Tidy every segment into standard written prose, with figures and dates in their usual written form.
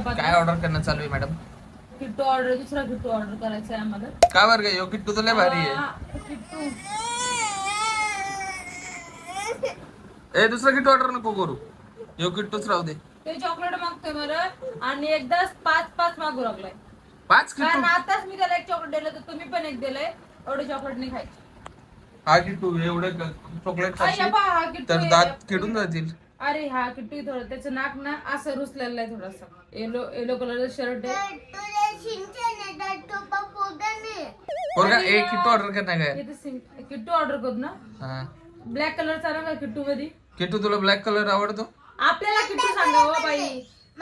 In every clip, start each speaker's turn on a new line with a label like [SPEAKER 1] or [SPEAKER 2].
[SPEAKER 1] काय ऑर्डर करणं चालू आहे मॅडम?
[SPEAKER 2] किट्टू ऑर्डर, दुसरा किट्टू ऑर्डर करायचा आहे आम्हाला.
[SPEAKER 1] का बरं काय? किट्टू तर लय भारी आहे.
[SPEAKER 2] किट्टू
[SPEAKER 1] दुसरा किट्टू ऑर्डर नको करू, यो किट्टूच राहू दे.
[SPEAKER 2] ते चॉकलेट मागतोय बरं आणि एकदाच 5 मागू लागलाय.
[SPEAKER 1] 5 किट्टू?
[SPEAKER 2] कारण आताच मी त्याला एक चॉकलेट दिलं, तर तुम्ही पण एक दिलंय. एवढे चॉकलेट नाही खायचे.
[SPEAKER 1] हा किट्टू एवढे चॉकलेट खाशील
[SPEAKER 2] हा किट्टू
[SPEAKER 1] तर दात किडून जातील.
[SPEAKER 2] अरे हा किट्टू थोडं, त्याचं नाक ना असं रुसलेलं आहे थोडासा. येलो कलरचं शर्ट आहे.
[SPEAKER 1] पोरगा एक किट्टू ऑर्डर करणार काय?
[SPEAKER 2] किट्टू ऑर्डर करू ना.
[SPEAKER 1] हा
[SPEAKER 2] ब्लॅक कलर चालू का किट्टू मध्ये?
[SPEAKER 1] किट्टू तुला ब्लॅक कलर आवडतो?
[SPEAKER 2] आपल्याला किट्टू सांगा हो बाई.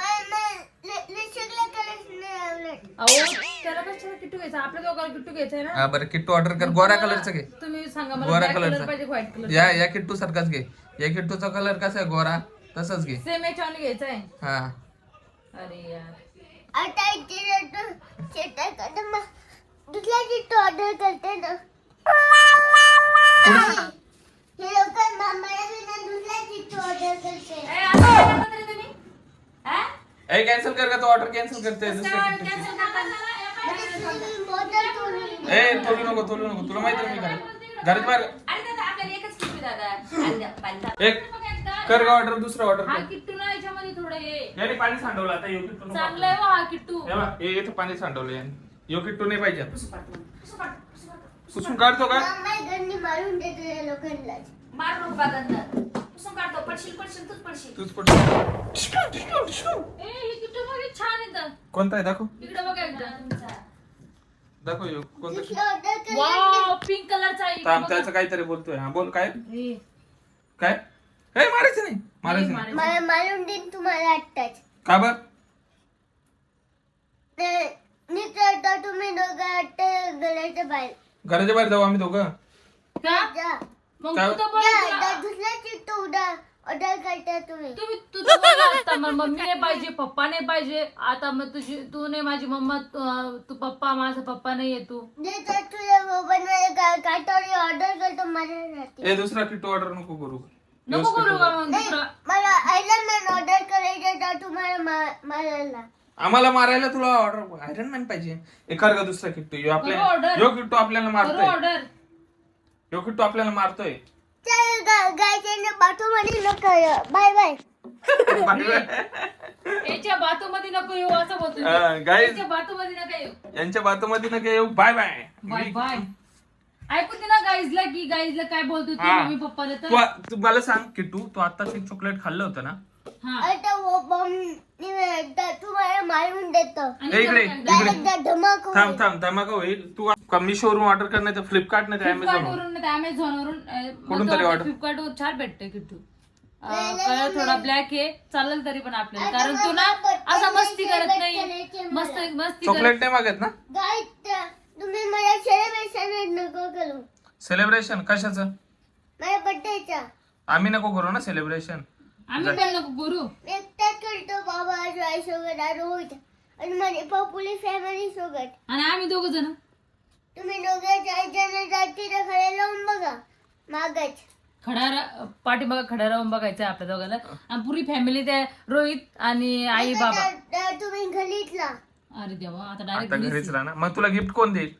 [SPEAKER 2] अहो त्याला कशाला किट्टू घ्यायचा? आपल्या दोघांना किट्टू घ्यायचा आहे ना.
[SPEAKER 1] हा बरं किट्टू ऑर्डर कर. गोऱ्या कलरचं घे.
[SPEAKER 2] तुम्ही सांगा मला,
[SPEAKER 1] गोरा
[SPEAKER 2] ब्लॅक कलर
[SPEAKER 1] कलरचा.
[SPEAKER 2] पाहिजे व्हाईट कलर?
[SPEAKER 1] या किट्टू सारखाच घे. या किट्टूचा कलर कसा आहे गोरा, तसाच घे.
[SPEAKER 2] सेम याच्यावर घ्यायचा आहे.
[SPEAKER 1] हा
[SPEAKER 2] अरे यार
[SPEAKER 3] दुसऱ्या किट्टू ऑर्डर करते ना. हे लोक मामाला दुसऱ्या किट्टू ऑर्डर करते.
[SPEAKER 1] कॅन्सल कर का? तो ऑर्डर कॅन्सल करते दुसऱ्या किट्टूची. तोलू नको तुला माहिती मी काय घरात बाहेर एक कर का ऑर्डर, दुसरा ऑर्डर
[SPEAKER 2] हा
[SPEAKER 1] कर.
[SPEAKER 2] किट्टू ना याच्यामध्ये थोडं हे
[SPEAKER 1] याने पाणी सांडवलं आता. यो किट्टू नको.
[SPEAKER 2] चांगलं आहे हा किट्टू.
[SPEAKER 1] हे बघ, हे इथं पाणी सांडवलं याने. यो किट्टू नाही पाहिजे. पुसून काढतो का?
[SPEAKER 3] मामा गंडी मारून देतो या लोकांना.
[SPEAKER 4] मार नको बागांना. पुसून काढतो. पडशील तूच पडशील.
[SPEAKER 1] तूच पडतो.
[SPEAKER 2] हे किट्टू बघ छान येतं.
[SPEAKER 1] कोणता आहे दाखव?
[SPEAKER 2] इकडे बघा एकदा.
[SPEAKER 1] दाखव यो कोणता?
[SPEAKER 3] ऑर्डर कर.
[SPEAKER 2] वाव पिंक कलरचा आहे.
[SPEAKER 1] थांब, त्याचं काहीतरी बोलतोय. हा बोल काय
[SPEAKER 2] हे,
[SPEAKER 1] काय? मारायचं नाही. मारायचं नाही.
[SPEAKER 3] मला मारून देईन तुम्हाला आत्ताच.
[SPEAKER 1] का बर?
[SPEAKER 3] निघता तुम्ही दोघं आत्ता घराच्या बाहेर.
[SPEAKER 1] घराच्या बाहेर जाऊ आम्ही दोघं.
[SPEAKER 2] का?
[SPEAKER 3] जा.
[SPEAKER 2] मग
[SPEAKER 1] काय?
[SPEAKER 2] तू तर बोल.
[SPEAKER 3] दुसऱ्या किट्टू ऑर्डर करता तुम्ही.
[SPEAKER 2] तुम्ही तुझं बोल आता. मग मम्मी नाही पाहिजे, पप्पा नाही पाहिजे. आता मग तू नाही माझी मम्मा, तू पप्पा, माझा पप्पा नाहीये तू.
[SPEAKER 3] देतात तुझ्या मोबाईलमध्ये काटावरी ऑर्डर करतो माझ्यासाठी.
[SPEAKER 1] दुसरा किट्टू ऑर्डर नको करू.
[SPEAKER 2] नको करू का मग दुसरा?
[SPEAKER 3] मला आयरन मॅन ऑर्डर करायचं तर तुम्हाला मारायला.
[SPEAKER 1] आम्हाला मारायला तुला ऑर्डर आयरन मॅन पाहिजे. कर का दुसरा किट्टू? यो
[SPEAKER 2] करू order.
[SPEAKER 1] यो किट्टू आपल्याला
[SPEAKER 2] करू
[SPEAKER 1] मारतोय.
[SPEAKER 2] ऑर्डर.
[SPEAKER 1] यो किट्टू आपल्याला मारतोय.
[SPEAKER 3] गायच्या बाथरूममध्ये नको. Bye bye.
[SPEAKER 2] याच्या बातूमध्ये नको येऊ असं बोलतो.
[SPEAKER 1] गाईज
[SPEAKER 2] याच्या बातूमध्ये नका येऊ.
[SPEAKER 1] यांच्या बातमध्ये नका येऊ. Bye bye.
[SPEAKER 2] Bye bye. ऐकून दे ना गाईजला, की गाईजला काय बोलतो तू
[SPEAKER 1] हा.
[SPEAKER 2] मम्मी पप्पाला तर.
[SPEAKER 1] तू मला सांग किट्टू, तू आताच एक चॉकलेट खाल्लं होतं ना?
[SPEAKER 2] हा.
[SPEAKER 3] आता वो बॉम्ब तुम्हाला मारून देतो.
[SPEAKER 2] आणि
[SPEAKER 1] इकडे
[SPEAKER 2] काय?
[SPEAKER 1] इकडे
[SPEAKER 3] धमाक
[SPEAKER 1] थांब धमाका होईल. तू मिशो वरून ऑर्डर कर, नाही तर फ्लिपकार्ट नाही तर
[SPEAKER 2] फ्लिपकार्ट
[SPEAKER 1] अमेझॉन.
[SPEAKER 2] वरून नाही, अमेझॉन वरून
[SPEAKER 1] कुठून तरी order.
[SPEAKER 2] फ्लिपकार्ट वर छान भेटते किट्टू. कलर थोडा ब्लॅक आहे, चालेल तरी पण आपल्याला. कारण तू ना असा मस्ती करत नाही. मस्ती
[SPEAKER 1] चॉकलेट नाही मागत ना?
[SPEAKER 3] गाय तुम्ही मला सेलिब्रेशन नको करू.
[SPEAKER 1] सेलिब्रेशन कशाचं?
[SPEAKER 3] माझ्या बर्थडेचा.
[SPEAKER 1] आम्ही नको करू ना सेलिब्रेशन.
[SPEAKER 2] आम्ही पण नको करू.
[SPEAKER 3] एकटाच करतो बाबा आई सोबत रोज आणि माझी पॉप्युलर फॅमिली सोबत.
[SPEAKER 2] आणि आम्ही दोघ जण.
[SPEAKER 3] तुम्ही दोघे 4 जण जाती तर खडे लावून बघा मागच.
[SPEAKER 2] पाठीमागा खडा राहून बघायचं आपल्या दोघांना. आणि पुरी फॅमिली त्या रोहित आणि आई बाबा.
[SPEAKER 3] तुम्ही घरीतला.
[SPEAKER 2] अरे देवा, आता
[SPEAKER 1] आता
[SPEAKER 2] डायरेक्ट
[SPEAKER 1] घरीच राहा ना. मग तुला गिफ्ट कोण देईल?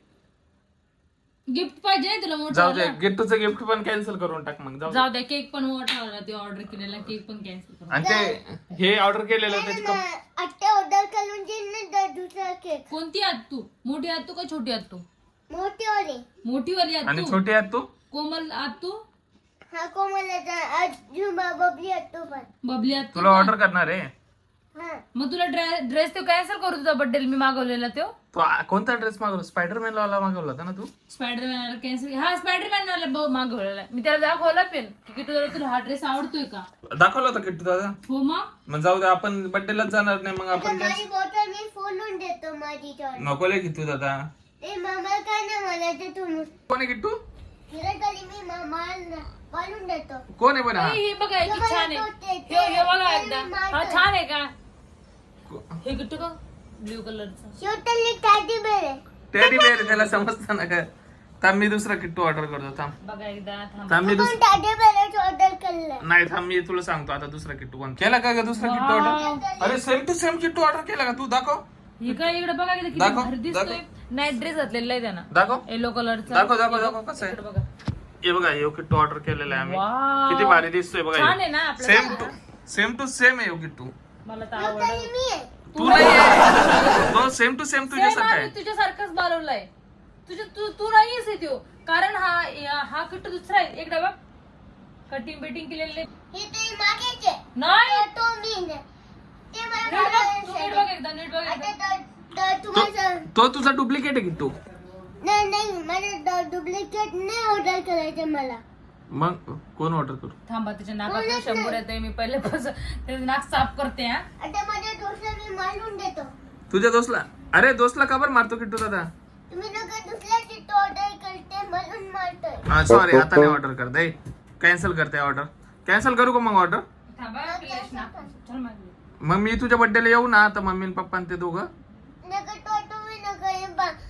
[SPEAKER 2] गिफ्ट पाहिजे नाही तुला
[SPEAKER 1] जाऊ दे,
[SPEAKER 2] मोठा?
[SPEAKER 1] गिफ्टचं गिफ्ट पण कॅन्सल करून टाक. मग
[SPEAKER 2] जाऊ द्या, केक पण मोठा होला. ते ऑर्डर केलेला केक पण कॅन्सल करू.
[SPEAKER 1] आणि ते हे ऑर्डर केलेलं त्याची
[SPEAKER 3] आत्ता ऑर्डर करून देईन ना दुसरा केक.
[SPEAKER 2] कोणती आत तू? मोठी आत तू का छोटी आत तू?
[SPEAKER 3] मोठी वाली.
[SPEAKER 2] मोठी वाली आत
[SPEAKER 1] आणि
[SPEAKER 2] तू?
[SPEAKER 1] छोटी आहेत तू?
[SPEAKER 2] कोमल आत तू?
[SPEAKER 3] हा कोमलाचा अजून बबली असतो पण.
[SPEAKER 2] बबली आत तू
[SPEAKER 1] तुला
[SPEAKER 2] का?
[SPEAKER 1] ऑर्डर करणार आहे.
[SPEAKER 3] हा
[SPEAKER 2] मग तुला ड्रेस तो कॅन्सल करू तुझा बर्थडे मी मागवलेला तो.
[SPEAKER 1] तू कोणता ड्रेस मागवला? स्पायडरमॅन वाला मागवला होता ना तू?
[SPEAKER 2] Spiderman cancel. हा स्पायडरमॅन वाला मागवलेला मी. त्याला दाखवला पेन की तुला हा ड्रेस आवडतोय का.
[SPEAKER 1] दाखवला होता किट्टू दादा?
[SPEAKER 2] हो मग
[SPEAKER 1] जाऊ दे, आपण बर्थडेलाच जाणार नाही. मग आपण
[SPEAKER 3] माझी बॉटल मी फोडून देतो माझी चॉईस.
[SPEAKER 1] नको लय किट्टू दादा.
[SPEAKER 3] ए मामा काय ना मला ते तुम्ही
[SPEAKER 1] कोण आहे किट्टू?
[SPEAKER 3] हिला तरी मी मामाला बोलून देतो.
[SPEAKER 1] कोण आहे पण हा?
[SPEAKER 2] हे बघा किती छान आहे. हे बघा एकदा. हा छान आहे का? हे किट्टू का ब्ल्यू कलरचा.
[SPEAKER 3] शेवटली टॅडी बेर आहे.
[SPEAKER 1] टेडी बेअर त्याला समजतं ना का? थांब मी दुसरा किट्टू ऑर्डर करतो. थांब
[SPEAKER 2] बघा एकदा थांब.
[SPEAKER 1] थांब मी
[SPEAKER 3] पण टाटे बॅलन्स ऑर्डर केलं.
[SPEAKER 1] नाही थांब मी तुला सांगतो आता दुसरा किट्टू कोण केला का ग दुसरा किट्टू ऑर्डर. अरे same to same Kittu order केला का तू दाखव
[SPEAKER 2] ही काय इकडे बघा किती
[SPEAKER 1] दाखव,
[SPEAKER 2] भारी दिसतोय. नाईट ड्रेस घातलेला आहे त्यानं
[SPEAKER 1] दाखव
[SPEAKER 2] येलो कलरचा.
[SPEAKER 1] दाखव दाखव दाखव कसं आहे.
[SPEAKER 2] बघा
[SPEAKER 1] हे बघा यो किट्टू ऑर्डर केलेला आहे आम्ही.
[SPEAKER 2] वाव.
[SPEAKER 1] किती भारी दिसतोय
[SPEAKER 2] छान आहे ना
[SPEAKER 1] बघा.
[SPEAKER 2] आपल्याला.
[SPEAKER 1] सेम टू सेम आहे यो किट्टू.
[SPEAKER 2] मला तर आवडलं.
[SPEAKER 3] मी आहे.
[SPEAKER 1] तू नाही आहे. तो सेम टू सेम तुझ्यासारखा
[SPEAKER 2] आम्ही
[SPEAKER 1] आहे.
[SPEAKER 2] तुझ्यासारखाच बनवलाय. तू नाहीयेस आहे तो. कारण हा किट्टू दुसरा आहे. एकदा बघ कटिंग बेटिंग केलेले
[SPEAKER 3] हे ते मागेचे.
[SPEAKER 2] नाही.
[SPEAKER 3] तो मी नाही. ते मला
[SPEAKER 2] नीट बघ,
[SPEAKER 3] घालायला
[SPEAKER 2] नीट बघ एकदा, नीट बघ
[SPEAKER 3] आता
[SPEAKER 2] एकदा.
[SPEAKER 3] तुम्हाला
[SPEAKER 1] तो तुझा डुप्लिकेट आहे किट्टू.
[SPEAKER 3] नाही माझं डुप्लिकेट नाही ऑर्डर करायचं मला.
[SPEAKER 1] मग कोण ऑर्डर करू.
[SPEAKER 2] थांबा त्याच्या नाकात शंभर येते. मी पहिले त्याचं नाक साफ करते. हा
[SPEAKER 3] आता माझ्या दोस्ताला मी मारून देतो.
[SPEAKER 1] तुझ्या दोस्तला. अरे दोस्तला का बरं मारतो किट्टू दादा.
[SPEAKER 3] तुम्ही लोक दुसऱ्या चिट्ट ऑर्डर करते म्हणून मारतोय.
[SPEAKER 1] हा सॉरी आता नाही ऑर्डर करते. कॅन्सल करते ऑर्डर. कॅन्सल करू का मग ऑर्डर.
[SPEAKER 2] थांबा प्लेस नाक चल मागे.
[SPEAKER 1] मग मी तुझ्या बर्थडेला येऊ ना आता मम्मी आणि पप्पा आणि ते दोघं.
[SPEAKER 3] नका तो तुम्ही नका हे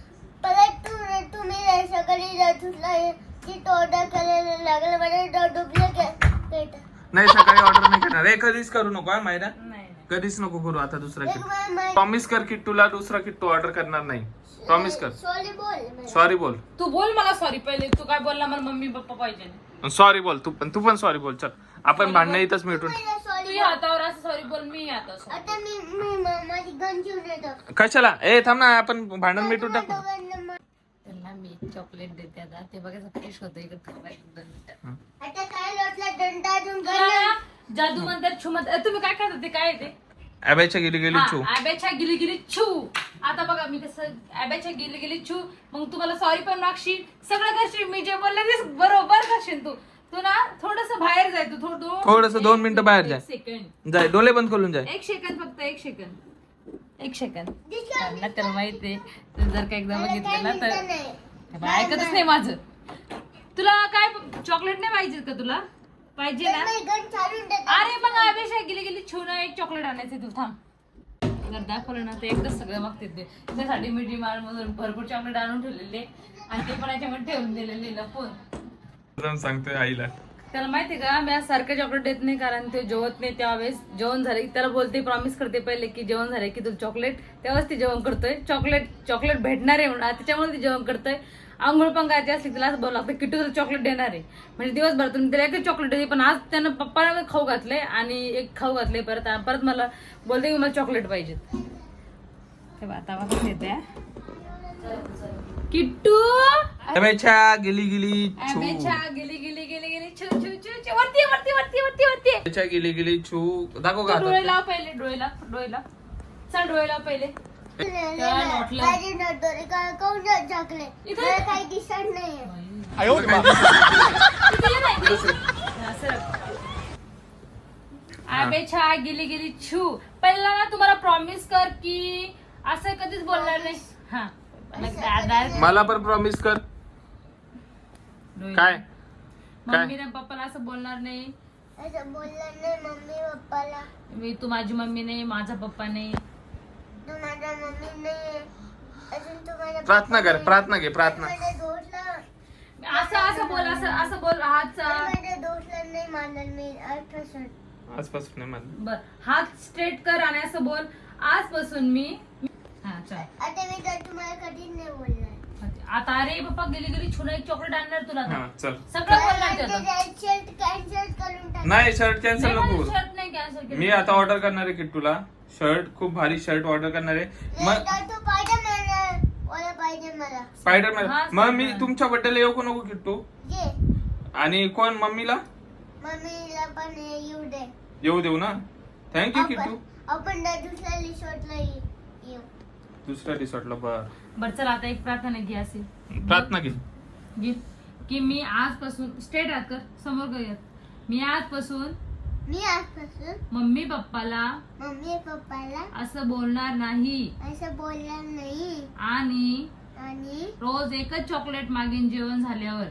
[SPEAKER 3] परत तुम्ही सकाळी दुसरा चिट्ट ऑर्डर करायला लागलं मला डुप्लिकेट.
[SPEAKER 1] नाही सकाळी ऑर्डर नाही करणार. हे कधीच करू नको हा मायरा.
[SPEAKER 2] नाही
[SPEAKER 1] कधीच नको करू आता दुसरा
[SPEAKER 3] एक
[SPEAKER 1] किट्टू. प्रॉमिस कर किट्टूला दुसरा किट्टू ऑर्डर करणार नाही. प्रॉमिस कर.
[SPEAKER 3] सॉरी बोल.
[SPEAKER 1] सॉरी बोल.
[SPEAKER 2] तू बोल मला सॉरी पहिले. तू काय बोलला मला मम्मी पप्पा पाहिजे.
[SPEAKER 1] सॉरी बोल तू पण सॉरी बोल. चल आपण भांडणं इथंच मिटून.
[SPEAKER 2] तू
[SPEAKER 3] सॉरी
[SPEAKER 2] हातावर असं सॉरी बोल. मी आता sorry.
[SPEAKER 3] आता मी माझी गन घेऊन येतो.
[SPEAKER 1] कशाला. ए थांब ना आपण भांडण मिटून टाकू.
[SPEAKER 2] त्यांना मी चॉकलेट देते आता. ते बघायचं फ्रेश होतं इकडे थांबायचं 2 मिनिटं.
[SPEAKER 3] आता काय लोटला दंडा अजून
[SPEAKER 2] तुला जादू म्हणतात छू म्हणतात. तुम्ही काय करता ते काय आहे ते.
[SPEAKER 1] अबेच्या गेली गेली छू.
[SPEAKER 2] आब्याच्या गिली गिली छू. आता बघा मी कसं आब्याच्या गिली गिली छू. मग तुम्हाला सॉरी पण मागशील सगळं करशील. मी जे बोलले ते बरोबर करशील. तू ना थोडस बाहेर जाय. तू
[SPEAKER 1] थोडंसं 2 मिनिटं बाहेर जाय.
[SPEAKER 2] 1 सेकंड.
[SPEAKER 1] जाय डोळे बंद करून जाय.
[SPEAKER 2] 1 सेकंड फक्त 1 सेकंड. 1 सेकंड. त्यांना त्याला माहिती आहे. तू जर का एकदा बघितलं ना तर ऐकतच नाही माझं. तुला काय चॉकलेट नाही पाहिजे का. तुला पाहिजे ना.
[SPEAKER 3] गन चालून देतो.
[SPEAKER 2] अरे मग आवेशा गेली गेली छून एक चॉकलेट आणायचं. तू थांब. जर दाखवलं ना ते एकदाच सगळं मागते ते. त्यासाठी मी डिमांड मधून भरपूर चॉकलेट आणून ठेवलेले आणि ते पण याच्यामध्ये ठेवून दिलेले लपून.
[SPEAKER 1] सांगतोय आईला.
[SPEAKER 2] त्याला माहितीये का मी आज सारखं चॉकलेट देत नाही. कारण ते जेवत नाही. त्यावेळेस जेवण झाले की त्याला बोलते प्रॉमिस करते पहिले की जेवण झाले की तू चॉकलेट. तेव्हाच ते जेवण करतोय. चॉकलेट भेटणार आहे म्हणून त्याच्यामुळे ते जेवण करतोय. आंघोळ पण करायची असली तिला असं बोलावं लागतं किट्टू तुला चॉकलेट देणार आहे. म्हणजे दिवसभर तुम्ही त्याला एकच चॉकलेट देते. पण आज त्यानं पप्पाला खाऊ घातले आणि एक खाऊ घातले. परत मला बोलते की मला चॉकलेट पाहिजेत. आता येते किट्टू.
[SPEAKER 1] अबेच्या गेली गेली छू.
[SPEAKER 2] गेली गेली गेली गेली छू छू छू छू. वरती वरती वरती वरती वरती.
[SPEAKER 1] अबेच्या गेली गेली छू. दाखव का
[SPEAKER 2] डोळे लाव पहिले. डोळे लाव चल डोळे लाव पहिले.
[SPEAKER 3] माझी नटोरी काऊन चॉकलेट
[SPEAKER 2] इथं-
[SPEAKER 3] मला काही दिसत नाहीये.
[SPEAKER 2] आबेच्या गेली गेली छू. पहिला ना तुम्हाला प्रॉमिस कर की असं कधीच बोलणार नाही. हा दादा
[SPEAKER 1] मला पण प्रॉमिस कर. काय
[SPEAKER 2] मम्मी ना पप्पाला असं बोलणार नाही.
[SPEAKER 3] असं बोललं नाही मम्मी पप्पाला.
[SPEAKER 2] तू माझी मम्मी नाही माझा पप्पा नाही.
[SPEAKER 3] तू माझा मम्मी नाही. अजून तू माझा
[SPEAKER 1] प्रार्थना कर. प्रार्थना घे. प्रार्थना.
[SPEAKER 3] माझ्या दोस्तला
[SPEAKER 2] असं बोल. असं बोल. हात
[SPEAKER 3] माझ्या दोस्तला नाही मानणार मी आजपासून.
[SPEAKER 1] आजपासून नाही म्हणलं.
[SPEAKER 2] बर हात स्ट्रेट कर आणि असं बोल आजपासून मी. हा चल
[SPEAKER 3] आता मी तर तुम्हाला कधीच नाही बोलणार.
[SPEAKER 2] आता अरे पप्पा गेली गेली छुना एक चॉकलेट आणणार तुला आता.
[SPEAKER 1] हा चल.
[SPEAKER 2] सगळं बोलणार ते आता.
[SPEAKER 3] शर्ट कॅन्सल करून टाक.
[SPEAKER 1] नाही शर्ट कॅन्सल नको करू.
[SPEAKER 2] शर्ट नाही कॅन्सल केलं.
[SPEAKER 1] मी आता ऑर्डर करणार आहे किट्टूला शर्ट. खूप भारी शर्ट ऑर्डर करणार आहे.
[SPEAKER 3] नाही तर तू स्पायडरमॅन वाला पाहिजे मला.
[SPEAKER 1] स्पायडरमॅन.
[SPEAKER 2] हा,
[SPEAKER 1] मग मी
[SPEAKER 2] Spiderman.
[SPEAKER 1] तुमच्या बर्थडेला येऊ का नको किट्टू.
[SPEAKER 3] घे
[SPEAKER 1] आणि कोण मम्मीला
[SPEAKER 3] मम्मीला पण येऊ दे.
[SPEAKER 1] येऊ देऊ ना. थँक्यू किट्टू.
[SPEAKER 3] आपण दुसऱ्या रिसॉर्टला येऊ.
[SPEAKER 1] दुसऱ्या रिसॉर्टला.
[SPEAKER 2] बरं चल आता एक प्रार्थना घे असेल.
[SPEAKER 1] प्रार्थना घे.
[SPEAKER 2] घे की मी आजपासून स्ट्रेट हात कर समोर कर. मी आजपासून मम्मी पप्पाला असं बोलणार नाही आणि रोज एकच चॉकलेट मागेन जेवण झाल्यावर.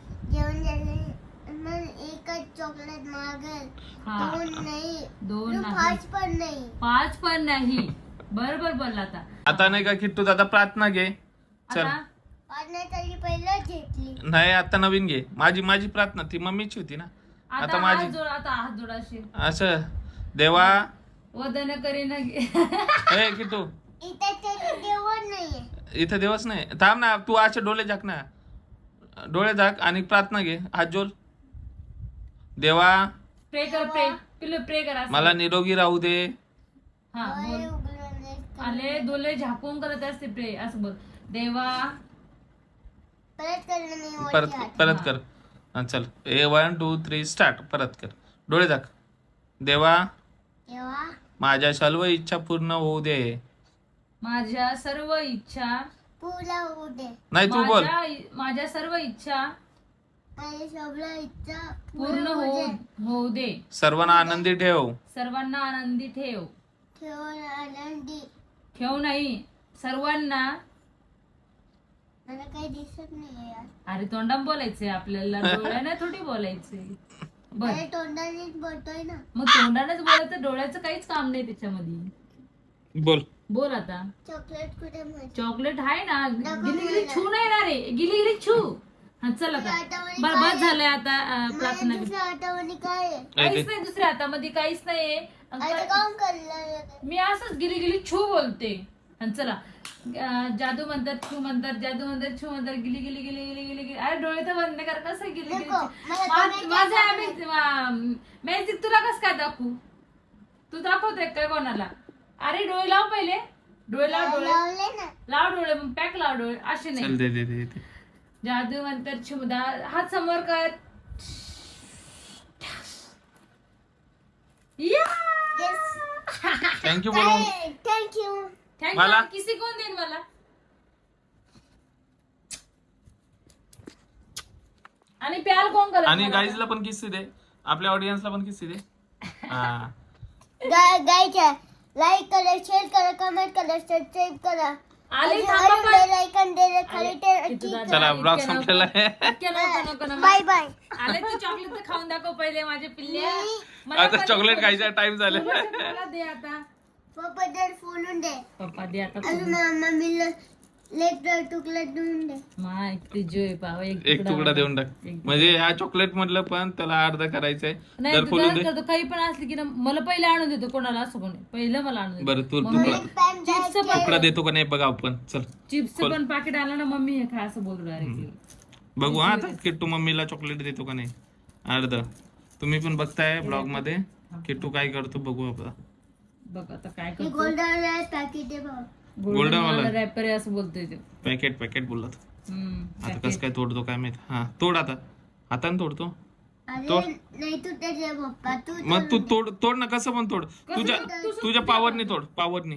[SPEAKER 3] एकच चॉकलेट मागेल.
[SPEAKER 2] हा.
[SPEAKER 3] दोन नाही
[SPEAKER 2] 5 पण नाही. बरोबर बोलला आता.
[SPEAKER 1] आता नाही का किट्टू दादा प्रार्थना घे. चल
[SPEAKER 2] आता
[SPEAKER 3] वाजण्यासाठी पहिलं घेतली.
[SPEAKER 1] नाही आता नवीन घे. माझी प्रार्थना ती मम्मीची होती ना, आता माझी.
[SPEAKER 2] आता हात जोडाशील
[SPEAKER 1] असं देवा
[SPEAKER 2] वदन करीन
[SPEAKER 1] ए किटू
[SPEAKER 3] इथे त्याचं देवण नाहीये.
[SPEAKER 1] इथं देवच नाही. थांब ना तू असे डोळे झाक ना, डोळे झाक आणि प्रार्थना घे. हात जोड. देवा
[SPEAKER 2] प्रे कर, प्रे पिल्लू प्रे कर असं.
[SPEAKER 1] मला निरोगी राहू दे.
[SPEAKER 2] हा बोल.
[SPEAKER 3] डोळे उघडून नाही.
[SPEAKER 2] आले डोळे झाकून करत असते प्रे असं बोल. देवा
[SPEAKER 3] परत करणं नाही वरती
[SPEAKER 1] परत
[SPEAKER 3] हात.
[SPEAKER 1] परत कर. हा, चल 1 2 3 स्टार्ट. परत कर. डोळे झाक. देवा
[SPEAKER 3] तेव्हा
[SPEAKER 1] माझ्या सर्व इच्छा पूर्ण होऊ दे.
[SPEAKER 2] माझ्या सर्व इच्छा
[SPEAKER 3] पूर्ण होऊ दे.
[SPEAKER 1] नाही तू बोल.
[SPEAKER 2] माझ्या सर्व इच्छा
[SPEAKER 3] माझी सगळं इच्छा
[SPEAKER 2] पूर्ण होऊ दे.
[SPEAKER 1] सर्वांना आनंदी ठेव.
[SPEAKER 2] सर्वांना आनंदी ठेव.
[SPEAKER 3] ठेवून आनंदी.
[SPEAKER 2] ठेव नाही सर्वांना.
[SPEAKER 3] मला काही दिसत नाही यार.
[SPEAKER 2] अरे तोंडाम बोलायचंय आपल्याला, डोळ्याने थोडी बोलायचंय. बर
[SPEAKER 3] अरे तोंडानेच बोलतोय ना.
[SPEAKER 2] मग तोंडानेच बोलायचं, डोळ्याचं काहीच काम नाही त्याच्यामध्ये.
[SPEAKER 1] बोल.
[SPEAKER 2] बोल आता.
[SPEAKER 3] चॉकलेट कुठे माझी?
[SPEAKER 2] चॉकलेट आहे ना, गिली गिली छू नाही ना रे, गिली गिली छू. हा चल आता. बर बस झालंय आता प्रार्थना.
[SPEAKER 3] दुसऱ्या आठवणी काय आहे?
[SPEAKER 2] काहीच नाही दुसऱ्या हातामध्ये, काहीच नाहीये.
[SPEAKER 3] आता काम करलं.
[SPEAKER 2] मी असंच गिली गिली छू बोलते. आणि चला जादू म्हणतात छू म्हणतात, जादू म्हणतात छू म्हणतात, गिली गिली गिली गिली गिली गिली. अरे डोळे तर बंद कर. कसं गिली गिली?
[SPEAKER 3] नको, मला
[SPEAKER 2] माझं मॅजिक तुला कसं काय दाखवू? तू दाखवतोय काय कोणाला? अरे डोळे लाव पहिले. डोळे लाव, डोळे
[SPEAKER 3] लावले ना.
[SPEAKER 2] लाव, डोळे पॅक लाव डोळे. असे
[SPEAKER 1] चल
[SPEAKER 2] नाही.
[SPEAKER 1] दे दे दे दे.
[SPEAKER 2] जादू म्हणतात छुमदा. हात समोर कर.
[SPEAKER 1] थँक्यू बोलून.
[SPEAKER 3] थँक्यू.
[SPEAKER 1] मला?
[SPEAKER 2] किसी कोण देईन मला? आणि प्याल कोण करत
[SPEAKER 1] आणि
[SPEAKER 2] मला?
[SPEAKER 1] गाईजला पण किस्से दे. आपल्या ऑडियन्सला पण किस्से दे. हा
[SPEAKER 3] गायच्या लाईक करा, शेअर करा, कमेंट करा, सबस्क्राईब करा.
[SPEAKER 2] आले थांबा पण.
[SPEAKER 3] बेल आयकॉन दे खाली
[SPEAKER 1] चला ब्लॉग संपलेला आहे.
[SPEAKER 3] Bye bye.
[SPEAKER 2] आले तू चॉकलेट तर खाऊन दाखव पहिले माझे पिल्ल्या. मला
[SPEAKER 1] आता
[SPEAKER 2] पण
[SPEAKER 1] चॉकलेट
[SPEAKER 2] दे.
[SPEAKER 1] खायचा टाइम झाला.
[SPEAKER 2] मला दे आता.
[SPEAKER 3] पप्पा जर फोडून दे.
[SPEAKER 2] पप्पा दे आता.
[SPEAKER 3] अजून मम्मीला लेकर तुकडा देऊन दे.
[SPEAKER 2] माय ते जोय पाव
[SPEAKER 1] एक तुकडा देऊन टाक. म्हणजे या चॉकलेट मधलं पण त्याला अर्धा करायचंय.
[SPEAKER 2] नाही
[SPEAKER 1] जर
[SPEAKER 2] तू
[SPEAKER 1] खोलून दे.
[SPEAKER 2] करतो काही पण असली की ना मला पहिले आणून देतो. कोणाला असं कोणी पहिलं मला आणून देतो.
[SPEAKER 1] बरं तू
[SPEAKER 2] मम्मी
[SPEAKER 1] तुकडा
[SPEAKER 2] चिप्स पण
[SPEAKER 1] तुकडा देतो का नाही बघा आपण. चल
[SPEAKER 2] चिप्स पण पाकिट आलं ना मम्मी हे खा असं बोलू डायरेक्ट.
[SPEAKER 1] बघू हा आता किट्टू मम्मीला चॉकलेट देतो का नाही अर्ध. तुम्ही पण बघताय ब्लॉग मध्ये किट्टू काय करतो बघू आपण.
[SPEAKER 2] बघ आता काय
[SPEAKER 3] मी
[SPEAKER 2] करतो.
[SPEAKER 3] गोल्डन पॅकेट दे बघ.
[SPEAKER 1] गोल्डन वाला
[SPEAKER 2] रॅपर आहे असं बोलतोय ते.
[SPEAKER 1] पॅकेट बोलला तो. आता
[SPEAKER 2] packet.
[SPEAKER 1] कसं काय तोडतो काय माहित. हा तोड आता. हाताने तोडतो.
[SPEAKER 3] अरे नाही तू त्याचे पप्पा तू
[SPEAKER 1] मग तू तोड ना. कसं पण तोड. तुझ्या पावरनी तोड. पावरनी.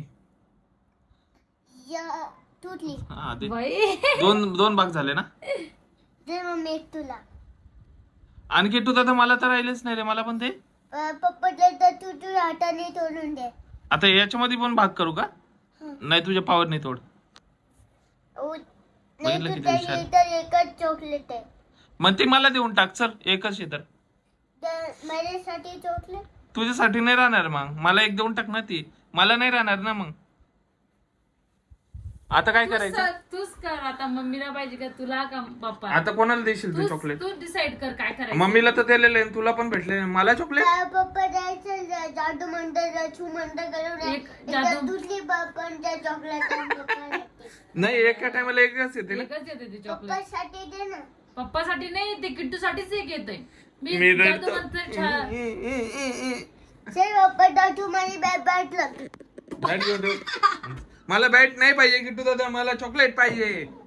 [SPEAKER 3] तुटली.
[SPEAKER 1] हा दे.
[SPEAKER 2] बाई
[SPEAKER 1] दोन भाग झाले ना.
[SPEAKER 3] दे मम्मी एक तुला.
[SPEAKER 1] आणि किट्टू दादा मला तर राहिलेच नाही रे. मला पण दे.
[SPEAKER 3] पप्पा तर तू तू हाताने तोडून दे.
[SPEAKER 1] आता याच्यामध्ये पण भाग करू का? नाही तुझ्या पावरनी तोड.
[SPEAKER 3] नाही
[SPEAKER 1] बघितलं
[SPEAKER 3] तू
[SPEAKER 1] किती
[SPEAKER 3] त्याची
[SPEAKER 1] हुशार.
[SPEAKER 3] तर एकच चॉकलेट आहे.
[SPEAKER 1] मग ते मला देऊन टाक. चल एकच आहे तर.
[SPEAKER 3] माझ्यासाठी चॉकलेट.
[SPEAKER 1] तुझ्यासाठी नाही राहणार मग. मला एक देऊन टाक ना ती. मला नाही राहणार ना मग. आता काय करायचं.
[SPEAKER 2] तूच कर आता. मम्मीला पाहिजे का तुला का पप्पा?
[SPEAKER 1] आता कोणाला देशील ते चॉकलेट.
[SPEAKER 2] तू डिसाइड कर काय करायचं.
[SPEAKER 1] मम्मीला तर दिलेलं आहे. तुला पण भेटले. मला चॉकलेट.
[SPEAKER 3] पप्पा जायचं जादू म्हणतात छू म्हणतात करून
[SPEAKER 2] एक जादू-
[SPEAKER 3] दुसरी पण त्या चॉकलेट
[SPEAKER 1] नाही एका टायमाला एकच येते ना.
[SPEAKER 2] एकच येते ते चॉकलेट.
[SPEAKER 3] पप्पासाठी दे ना.
[SPEAKER 2] पप्पासाठी नाही ते किट्टू साठीच एक येतंय.
[SPEAKER 1] मी
[SPEAKER 2] मी
[SPEAKER 1] रडतो.
[SPEAKER 2] जादू म्हणतोय छान.
[SPEAKER 3] चल पप्पा दादू माझी बॅट लाव.
[SPEAKER 1] बॅट घेऊन ठेव. मला बॅट नाही पाहिजे किट्टू दादा. मला चॉकलेट पाहिजे.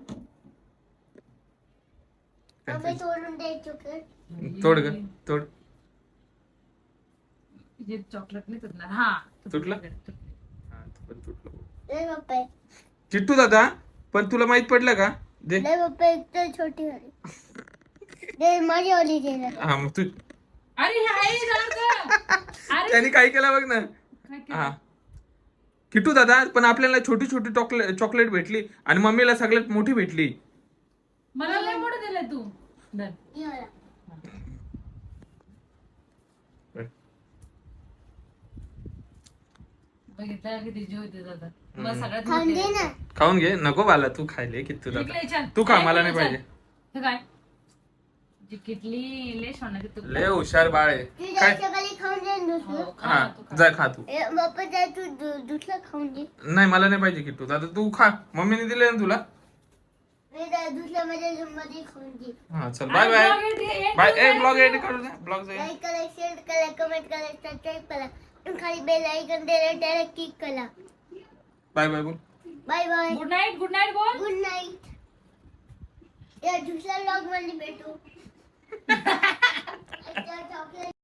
[SPEAKER 3] मम्मी तोडून दे चॉकलेट.
[SPEAKER 1] तोड ग तोड.
[SPEAKER 2] जे चॉकलेट नाही तुटणार. हा
[SPEAKER 1] तुटलं? हा, तो पण तुटलं.
[SPEAKER 3] दे पप्पा.
[SPEAKER 1] किट्टू दादा पण तुला माहित पडलं का? दे.
[SPEAKER 3] दे पप्पा एक तर छोटी वाली. दे माझी वाली दे ना.
[SPEAKER 1] हा मग तू.
[SPEAKER 2] अरे हाय अरे
[SPEAKER 1] त्यांनी काय केलं बघ ना.
[SPEAKER 2] काय केलं?
[SPEAKER 1] हा किट्टू दादा पण आपल्याला छोटी छोटी चॉकलेट भेटली आणि मम्मीला सगळ्यात मोठी भेटली.
[SPEAKER 2] मला लय मोठं दिलंय तू. धर.
[SPEAKER 3] हे वाला.
[SPEAKER 2] बघितलं किती जीव होते दादा. मग सगळ्यात
[SPEAKER 3] खाऊन
[SPEAKER 2] मोठी
[SPEAKER 3] दे ना.
[SPEAKER 1] खाऊन घे. नको बाला तू खायले किती
[SPEAKER 2] किटली
[SPEAKER 1] दादा.
[SPEAKER 2] छान.
[SPEAKER 1] तू खा
[SPEAKER 2] काय
[SPEAKER 1] मला नाही
[SPEAKER 2] किटली
[SPEAKER 1] पाहिजे.
[SPEAKER 2] छान. हे काय जी किटली लय छान आहे तू.
[SPEAKER 1] लय हुशार बाळ आहे.
[SPEAKER 3] तू
[SPEAKER 1] काय
[SPEAKER 3] सकाळी खाऊन दे ना दुसरं.
[SPEAKER 2] हो, खा
[SPEAKER 1] हा
[SPEAKER 2] ना, तू खा.
[SPEAKER 1] जा खा तू.
[SPEAKER 3] बाप्पा जाय तू दुसरं खाऊन दे.
[SPEAKER 1] नाही मला नाही पाहिजे किट्टू दादा तू खा. मम्मीने दिले ना तुला.
[SPEAKER 3] दुसरं माझ्या रूम मध्ये खाऊन दे.
[SPEAKER 1] हा चल बाय बाय बाय. ए ब्लॉग एडिट करू दे. ब्लॉग
[SPEAKER 3] लाईक करा, शेअर करा, कमेंट करा, सबस्क्राईब करा आणि खाली बेल आयकॉन द्यायला डायरेक्ट क्लिक करा.
[SPEAKER 1] बाय बाय बोल.
[SPEAKER 3] Bye bye.
[SPEAKER 2] गुड नाईट बोल.
[SPEAKER 3] Good night. या दुसऱ्या व्लॉग मध्ये भेटू. चॉकलेट